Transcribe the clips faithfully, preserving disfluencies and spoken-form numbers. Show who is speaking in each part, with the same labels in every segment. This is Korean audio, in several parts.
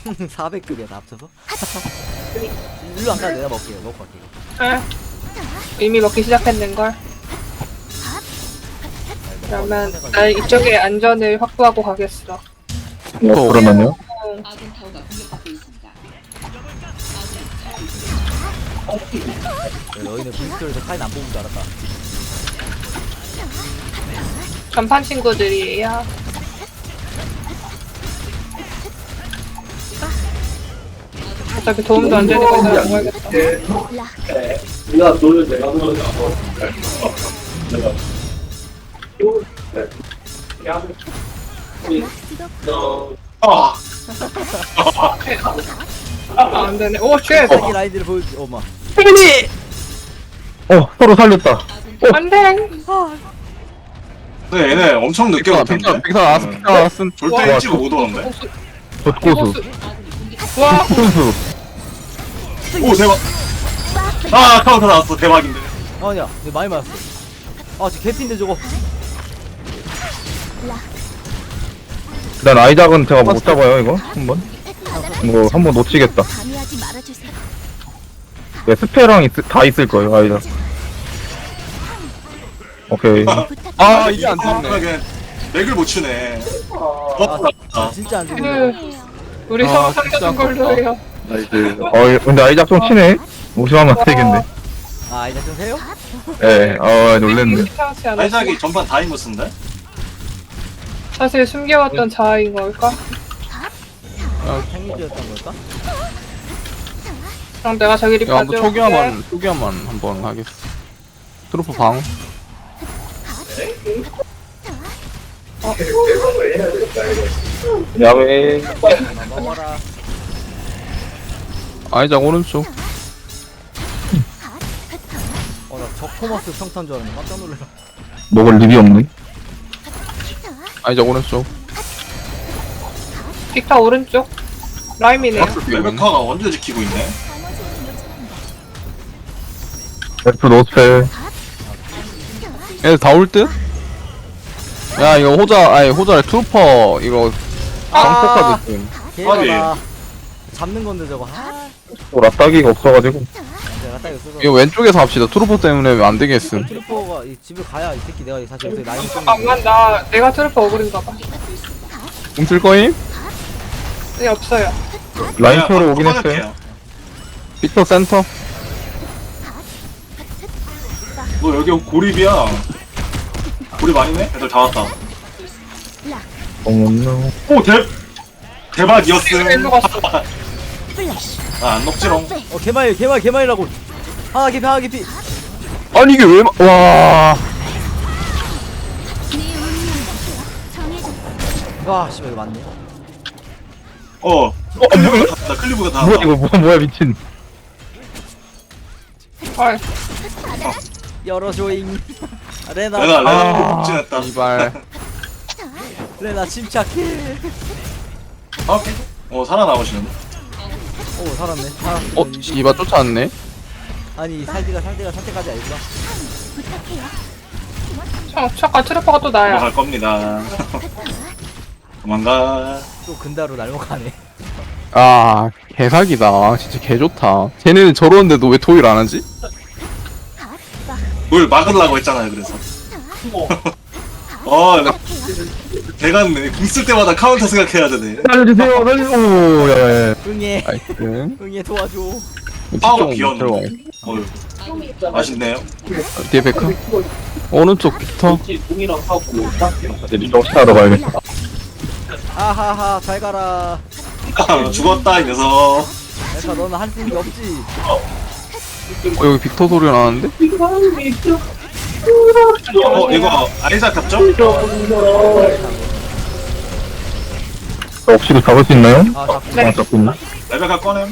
Speaker 1: 사백 급이야 다 합쳐서? 일로 안 가도 내가 먹게요. 먹고 갈게요.
Speaker 2: 에? 이미 먹기 시작했는걸. 그러면 난 이쪽에 안전을 확보하고 가겠어.
Speaker 3: 어, 그러면요?
Speaker 2: 응.
Speaker 1: 네, 너희는 브리스톨에서 카인 안 뽑은 줄 알았다.
Speaker 2: 전판 친구들이에요. 어차피 도움도 안 되는 거 그냥 먹어야겠다.
Speaker 4: 네가 너를 내가 너를 내가
Speaker 3: 아,
Speaker 2: 아, 안 되네. 오, 쉣!
Speaker 1: 자기 라인들을 보여주. 어마.
Speaker 2: 혜민이!
Speaker 3: 어, 서로 살렸다.
Speaker 2: 안 돼!
Speaker 3: 근데 얘네 엄청 늦게
Speaker 5: 빅사
Speaker 3: 왔던데?
Speaker 5: 빅사 나왔어 빅사 나왔음.
Speaker 3: 절대 일찍 못 오는데?
Speaker 5: 젖고수
Speaker 2: 와,
Speaker 5: 훈수.
Speaker 3: 오, 대박! 아, 카운터 나왔어. 대박인데.
Speaker 1: 아니야, 내 많이 맞았어. 아, 저 개피인데 저거.
Speaker 5: 일단 아이작은 제가 못 잡아요 이거 한번. 이거 한번 놓치겠다.
Speaker 6: 감히하지 말아주세요.
Speaker 5: 네, 스페랑 있, 다 있을 거예요 아이작. 오케이. 아 이게 안
Speaker 3: 아,
Speaker 5: 됐네.
Speaker 3: 그냥 맥을 못 추네.
Speaker 1: 아,
Speaker 3: 어,
Speaker 1: 아, 진짜 안
Speaker 2: 그,
Speaker 1: 되네.
Speaker 2: 우리
Speaker 5: 아,
Speaker 2: 서로
Speaker 5: 진짜
Speaker 2: 살려준 걸로 해요.
Speaker 5: 어 근데 아이작 좀 치네. 무시하면 안 되겠네.
Speaker 1: 아, 이제 좀 해요?
Speaker 5: 예, 어 놀랬네.
Speaker 2: 이상하지 않았어.
Speaker 3: 아이작이 전반 다이머스인데?
Speaker 2: 사실 숨겨왔던 자아인 걸까?
Speaker 1: 생리주였던 걸까?
Speaker 2: 그럼 내가 저기
Speaker 5: 이거 한번
Speaker 2: 리파즈
Speaker 5: 초기화만 초기화만 한번 하겠어. 트로프 방. 야외.
Speaker 1: 아, 먹어라.
Speaker 5: 아이작 오른쪽.
Speaker 1: 어, 나 적토마스 평탄 줄 알았네. 깜짝 놀래라.
Speaker 5: 먹을 립이 없네. 아이작 오른쪽.
Speaker 2: 빅터 오른쪽. 라임이네요.
Speaker 3: 레베카가 원딜 지키고 있네.
Speaker 5: F 노스펠. 얘들 다 올 듯? 야 이거 호자 아니 호자 트루퍼 이거 방폭까지 좀.
Speaker 1: 개가다. 잡는 건데 저거. 아,
Speaker 5: 또 라따기가 없어가지고.
Speaker 1: 내가 딱 있어서.
Speaker 5: 이거 왼쪽에서 합시다. 트루퍼 때문에 안 되겠음.
Speaker 1: 트리퍼가 이 집에 가야 이 새끼 내가 사실 여기서 라인 좀.
Speaker 2: 잠깐만, 나, 내가 트루퍼 오그린가 봐.
Speaker 5: 공쓸 거임?
Speaker 2: 네, 없어요.
Speaker 5: 라인
Speaker 3: 그냥
Speaker 5: 표로 오긴
Speaker 3: 꺼낼게요.
Speaker 5: 했어요. 빅터 센터.
Speaker 3: 너 여기 고립이야. 고립 아니네? 애들 다 왔다.
Speaker 5: 어머나.
Speaker 3: 오, 대, 대박이었음.
Speaker 2: 일로 갔어.
Speaker 3: 아, 안 녹지롱.
Speaker 1: 어, 개마일, 개마일, 개마일라고. 하나 개피, 하나 개피.
Speaker 5: 아니 이게 왜 마... 와.
Speaker 1: 와, 씨발 이거 맞네.
Speaker 3: 어, 어, 클리브가 다, 클리브가 다.
Speaker 5: 뭐야
Speaker 3: 왔다.
Speaker 5: 이거 뭐야 뭐야 미친.
Speaker 2: 헐.
Speaker 1: 열어줘잉. 레나,
Speaker 3: 내가 레나
Speaker 5: 아,
Speaker 3: 복진했다.
Speaker 5: 이발.
Speaker 1: 레나 침착해.
Speaker 3: 어? 어, 살아나오시는데?
Speaker 1: 오, 살았네. 살았어.
Speaker 5: 어 이발 쫓아왔네.
Speaker 1: 아니, 살디가 살디가 상태까지 알구나.
Speaker 2: 저, 잠깐 트루퍼가 또 나야.
Speaker 3: 도망갈 겁니다. 도망가.
Speaker 1: 또 근다로 날먹하네.
Speaker 5: 아 개사기다. 진짜 개 좋다. 쟤네는 저러는데도 왜 토일 안 하지?
Speaker 3: 뭘 막으려고 했잖아요, 그래서. 어, 나, 대갔네. 궁쓸 때마다 카운터 생각해야 되네.
Speaker 5: 살려주세요. 살려. 오 야야.
Speaker 1: 응애.
Speaker 5: 나이스.
Speaker 1: 응애 도와줘.
Speaker 3: 파워
Speaker 5: 좀
Speaker 3: 비었는데.
Speaker 5: 들어와.
Speaker 3: 어휴. 맛있네요.
Speaker 5: 뒤에 베크. 오른쪽 빅터.
Speaker 4: 동이랑 하고
Speaker 5: 이제 정신하러 가야겠다.
Speaker 1: 아하하, 잘 가라.
Speaker 3: 죽었다, 이 녀석.
Speaker 1: 내가 너는 할 수 있는 게 없지.
Speaker 5: 어 여기 빅터 소리가 나는데?
Speaker 3: 어, 이거 아이작 잡죠?
Speaker 5: 혹시 잡을 수 있나요?
Speaker 1: 아, 잡고.
Speaker 2: 네.
Speaker 5: 아 잡고 있나?
Speaker 3: 레베카 꺼냄.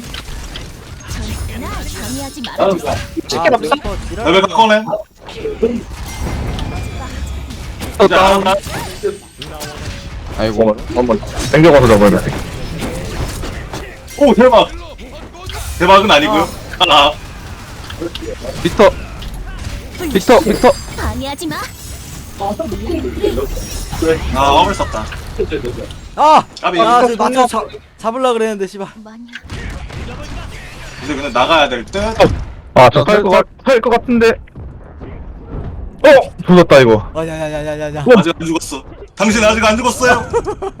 Speaker 6: 감히하지 말아주세요.
Speaker 2: 치킨 없어?
Speaker 3: 레베카 꺼냄. 자,
Speaker 5: 아이고 한번 땡겨가서 잡아야겠다.
Speaker 3: 오, 대박. 대박은 아니고요. 아,
Speaker 5: 빅터. 빅터 빅터.
Speaker 6: 방해하지 마.
Speaker 3: 아, 업을 썼다.
Speaker 1: 아!
Speaker 3: 까비.
Speaker 1: 아,
Speaker 2: 아,
Speaker 1: 저 맞춰 잡, 잡으려 그랬는데, 씨발.
Speaker 6: 뭐냐?
Speaker 3: 이제 그냥 나가야 될 듯.
Speaker 5: 아저 살것 같은데. 어 조졌다 이거.
Speaker 1: 아, 야, 야, 야, 야, 야, 야.
Speaker 3: 아직 안 죽었어. 당신 아직 안 죽었어요.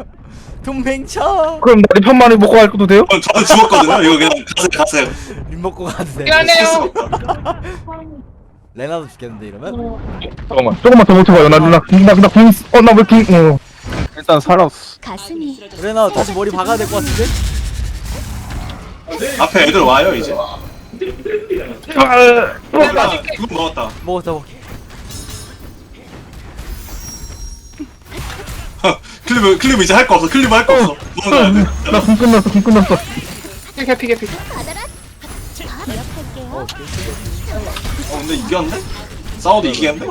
Speaker 1: 동맹쳐!
Speaker 5: 그럼 나 편만이 먹고 갈 것도 돼요?
Speaker 3: 어, 저는 죽었거든요. 이거 그냥 가세요, 가세요.
Speaker 1: 림 먹고 가도 돼.
Speaker 2: 미안해요.
Speaker 1: 레나도 죽겠는데, 이러면?
Speaker 5: 잠깐만 조금만 더 버텨봐요. 나나나나 궁 어나왜 궁? 어. 일단 살았어.
Speaker 6: 가슴이
Speaker 1: 레나 다시 머리 박아야 될 것 같은데?
Speaker 3: 앞에 애들 와요 이제.
Speaker 5: 아,
Speaker 3: 아, 그거 먹었다.
Speaker 1: 먹었다, 먹
Speaker 3: 클리브 클리브 이제 할 거 없어. 클리브 할 거 없어. 먹어야 돼.
Speaker 5: 나궁 끝났어. 궁 끝났어.
Speaker 2: 개피 개피.
Speaker 6: 받아라. 기억할게요.
Speaker 3: 어 근데 이겼네? 싸워도 이기겠네?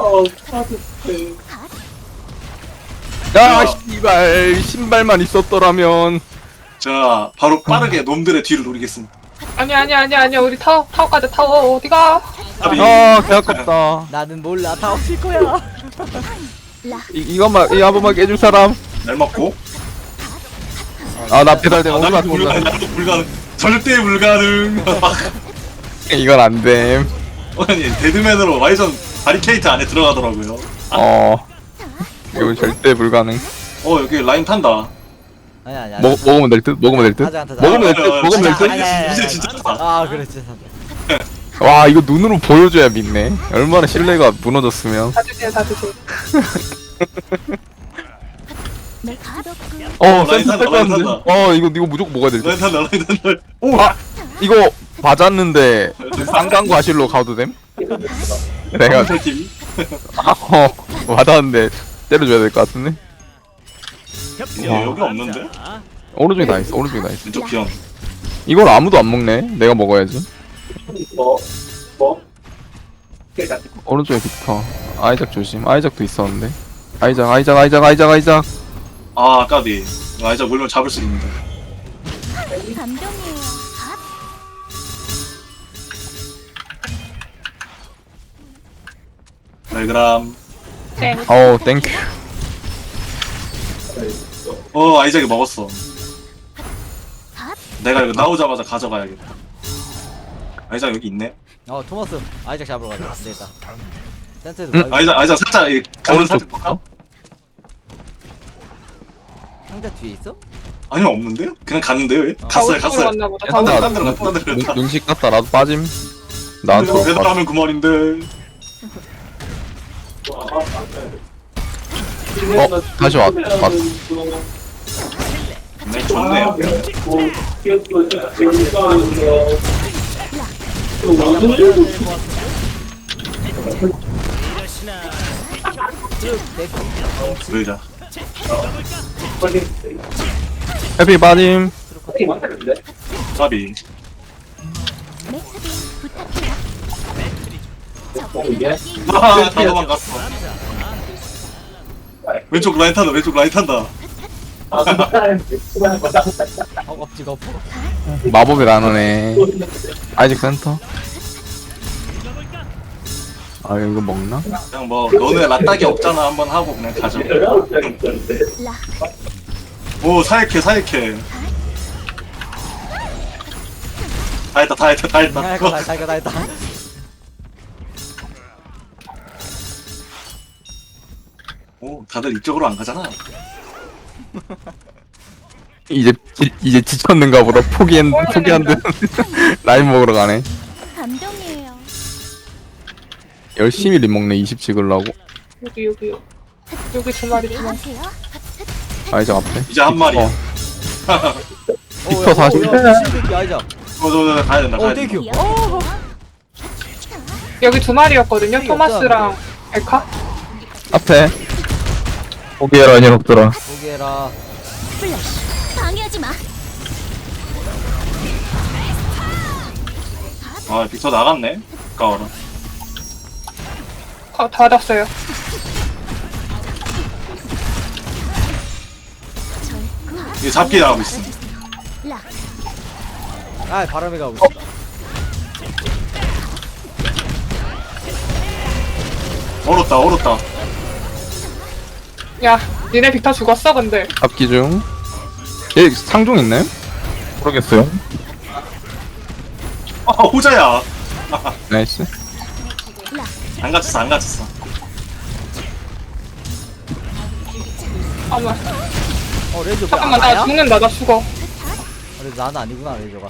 Speaker 5: 야 씨발 신발만 있었더라면.
Speaker 3: 자 바로 빠르게 놈들의 뒤를 노리겠습니다.
Speaker 2: 아니 아니 아니 아니 우리 타워 타워 가자 타워 어디가?
Speaker 3: 까비.
Speaker 5: 아 개아깝다.
Speaker 1: 나는 몰라, 다 없을 거야.
Speaker 5: 이 이것만 이 한 번만 깨줄 사람.
Speaker 3: 날 먹고.
Speaker 5: 아 나 배달된
Speaker 3: 아,
Speaker 5: 오늘
Speaker 3: 나도
Speaker 5: 같은
Speaker 3: 불가능.
Speaker 5: 거.
Speaker 3: 나도 불가능. 절대 불가능.
Speaker 5: 이건 안 됨.
Speaker 3: 아니 데드맨으로 와이전 바리케이트 안에 들어가더라고요.
Speaker 5: 어. 이건 절대 불가능.
Speaker 3: 어 여기 라인 탄다.
Speaker 1: 아니, 아니, 아니.
Speaker 5: 먹 먹으면 될 듯. 먹으면 될 듯.
Speaker 1: 하자, 하자, 하자.
Speaker 5: 먹으면 될 듯.
Speaker 3: 아, 아,
Speaker 5: 먹으면 될
Speaker 3: 진짜
Speaker 5: 듯.
Speaker 1: 아니, 아니, 아니,
Speaker 3: 이제
Speaker 1: 아니.
Speaker 3: 진짜 탄다.
Speaker 1: 아, 그래, 진짜.
Speaker 5: 와 이거 눈으로 보여줘야 믿네. 얼마나 신뢰가 무너졌으면.
Speaker 2: 다 드세요 다 드세요.
Speaker 6: 맥주덕구
Speaker 5: 어
Speaker 3: 라인
Speaker 5: 센터
Speaker 3: 탄다,
Speaker 5: 뺄것
Speaker 3: 라인
Speaker 5: 같은데.
Speaker 3: 탄다.
Speaker 5: 어 이거 이거 무조건 먹어야 될 듯.
Speaker 3: 라인 탄다 라인 탄다.
Speaker 5: 오! 아! 이거 맞았는데 쌍강 과실로 가도 됨? 내가
Speaker 3: 팀이.
Speaker 5: 아, 어 맞았는데 때려줘야 될 것 같은데?
Speaker 3: 야 여기 없는데?
Speaker 5: 오른쪽에 다 있어 오른쪽에 다 있어.
Speaker 3: 왼쪽 비언.
Speaker 5: 이걸 아무도 안 먹네. 내가 먹어야지.
Speaker 4: 뭐? 뭐?
Speaker 5: 오른쪽에 빅터. 아이작 조심. 아이작도 있었는데. 아이작 아이작 아이작 아이작 아이작.
Speaker 3: 아 까비. 아이자 물면 잡을 수 있는데.
Speaker 6: 감동이에요.
Speaker 3: 벨그람.
Speaker 2: 땡.
Speaker 5: 어우 땡큐.
Speaker 3: 어 아이작이 먹었어. 내가 이거 나오자마자 가져가야겠다. 아이작 여기 있네.
Speaker 1: 어, 토마스. 아이작 잡으러 가자. 안 되겠다. 센터에도
Speaker 5: 응?
Speaker 1: 가야겠다.
Speaker 3: 아이작 아이작 살짝 이 가면
Speaker 5: 오른쪽
Speaker 3: 살짝 볼까?
Speaker 1: 상자 뒤에 있어?
Speaker 3: 아니요 없는데요? 그냥 갔는데요? 얘? 갔어요
Speaker 2: 타워
Speaker 3: 갔어요.
Speaker 2: 왔나 보다.
Speaker 3: 딴
Speaker 2: 타워.
Speaker 3: 데, 딴 데로 갔다 딴 데로
Speaker 5: 눈-
Speaker 3: 갔다.
Speaker 5: 눈식 같다. 나도 빠짐. 나한테 올
Speaker 3: 배달
Speaker 5: 것
Speaker 3: 하면 그만인데.
Speaker 5: 어 다시 왔 왔.
Speaker 3: 네 좋네요. 그러자.
Speaker 5: 해피 빠짐.
Speaker 3: 까비.
Speaker 6: 맥스빈 부탁해요.
Speaker 3: 하하 다 도망갔어. 왼쪽 라인 탄다 왼쪽 라인 탄다.
Speaker 1: 허겁지겁 엎어.
Speaker 5: 마법이 나누네. 아이작 센터. 아 이거 먹나?
Speaker 3: 그냥 뭐 너네 라딱이 없잖아 한번 하고 그냥 가자.
Speaker 6: 라
Speaker 3: 오 사이케 사이케. 다 했다 다 했다 다
Speaker 1: 다
Speaker 3: 했다.
Speaker 1: 했다, 다 했다, 다 했다.
Speaker 3: 오 다들 이쪽으로 안 가잖아.
Speaker 5: 이제 지, 이제 지쳤는가 보다. 포기한 포기한 듯 라인 먹으러 가네.
Speaker 6: 감동이에요.
Speaker 5: 열심히 림 먹네. 이십 찍으려고.
Speaker 2: 여기 여기 여기 두 마리 두 마리.
Speaker 6: 하세요.
Speaker 5: 아이작 앞에.
Speaker 3: 이제 한 마리야.
Speaker 5: 어.
Speaker 1: 빅터
Speaker 5: 사십.
Speaker 1: 신비기 아이작.
Speaker 3: 어저저 가야 된다 가야
Speaker 1: 어,
Speaker 3: 된다.
Speaker 1: 땡큐.
Speaker 2: 여기 두 마리였거든요. 토마스랑 엘카.
Speaker 5: 앞에. 포기해라 녀석들아.
Speaker 1: 보게라.
Speaker 6: 플래시. 방해하지 마.
Speaker 3: 아 빅터 나갔네. 아까워라.
Speaker 2: 아, 닫았어요.
Speaker 3: 이게 잡기 나가고 있어.
Speaker 6: 라
Speaker 1: 아, 바람이 가고 있어.
Speaker 3: 얼었다 얼었다.
Speaker 2: 야, 니네 빅터 죽었어 근데.
Speaker 5: 잡기 중. 얘 상종 있나요?
Speaker 7: 모르겠어요.
Speaker 3: 아 호자야.
Speaker 5: 나이스.
Speaker 3: 안 갇혔어 안 갇혔어.
Speaker 2: 아마
Speaker 1: 어 레이저
Speaker 2: 잠깐만
Speaker 1: 왜안
Speaker 2: 나
Speaker 1: 와요?
Speaker 2: 죽는다 나 죽어.
Speaker 1: 그래 나는 아니구나 레이저가.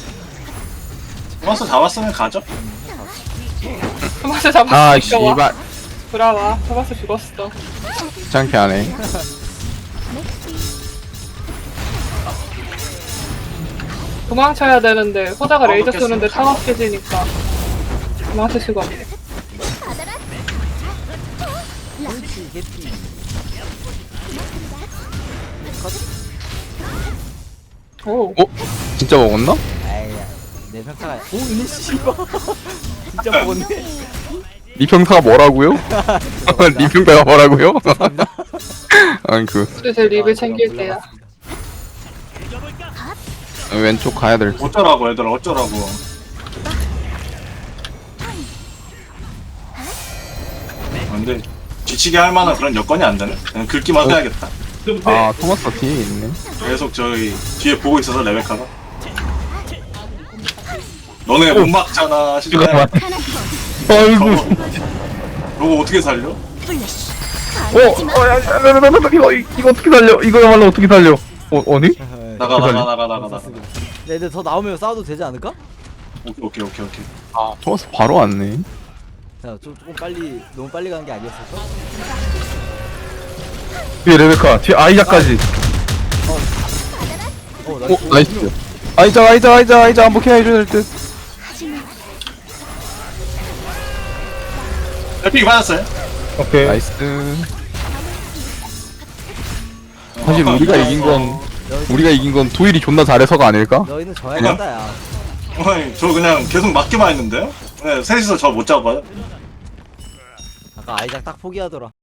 Speaker 3: 토마스 잡았으면 가죠.
Speaker 2: 토마스 잡았어.
Speaker 5: 아
Speaker 2: 죽여와.
Speaker 5: 씨발
Speaker 2: 돌아와. 토마스 죽었어.
Speaker 5: 귀찮게 하네.
Speaker 2: 도망쳐야 되는데 호자가
Speaker 3: 어,
Speaker 2: 레이저
Speaker 3: 먹겠습니다.
Speaker 2: 쏘는데 타워 깨지니까 도망칠 수가 없네.
Speaker 1: 옳지 개띠.
Speaker 2: 오.
Speaker 5: 어? 진짜 먹었나?
Speaker 1: 아이야 내 평타가. 오 이네 씨발. 진짜 먹었네.
Speaker 5: 니 평타가 뭐라고요? 니 평타가 뭐라고요? 아니 그
Speaker 2: 근데 제 립을 챙길게요.
Speaker 5: 왼쪽 가야 될 듯.
Speaker 3: 어쩌라고 얘들아 어쩌라고. 아, 근데 지치게 할 만한 그런 여건이 안 되네. 그냥 긁기만 해야겠다.
Speaker 5: 아 토마스 뒤에 있네.
Speaker 3: 계속 저기 뒤에 보고 있어서 레베카가. 너네 못 막잖아. 시간에.
Speaker 7: 잠깐만. 아이고.
Speaker 3: 너거 어떻게 살려?
Speaker 6: 플래시.
Speaker 7: 어,
Speaker 6: 방해하지 마.
Speaker 7: 어, 야, 야, 야, 야, 야, 야, 이거, 이거 어떻게 살려? 이거야말로 어떻게 살려? 어, 아니?
Speaker 3: 나가 나가 나가 나가 나가.
Speaker 1: 네, 근데 더 나오면 싸워도 되지 않을까?
Speaker 3: 오케이 오케이 오케이 오케이.
Speaker 5: 아 토마스 바로 왔네.
Speaker 1: 자, 좀 조금 빨리 너무 빨리 가는 게 아니었을까?
Speaker 7: 뒤에 레베카, 뒤에 아이자까지.
Speaker 1: 어,
Speaker 5: 오 나이스. 아이자 아이자 아이자 아이자 한번 케어 해줘야 될 듯.
Speaker 3: 에픽 받았어요?
Speaker 7: 오케이.
Speaker 5: 나이스. 사실 우리가 이긴 건 우리가 이긴 건 도일이 존나 잘해서가 아닐까?
Speaker 1: 너희는 져야겠다, 야.
Speaker 3: 어이 저 그냥 계속 맞기만 했는데요? 네, 셋이서 저 못 잡아요.
Speaker 1: 아까 아이작 딱 포기하더라.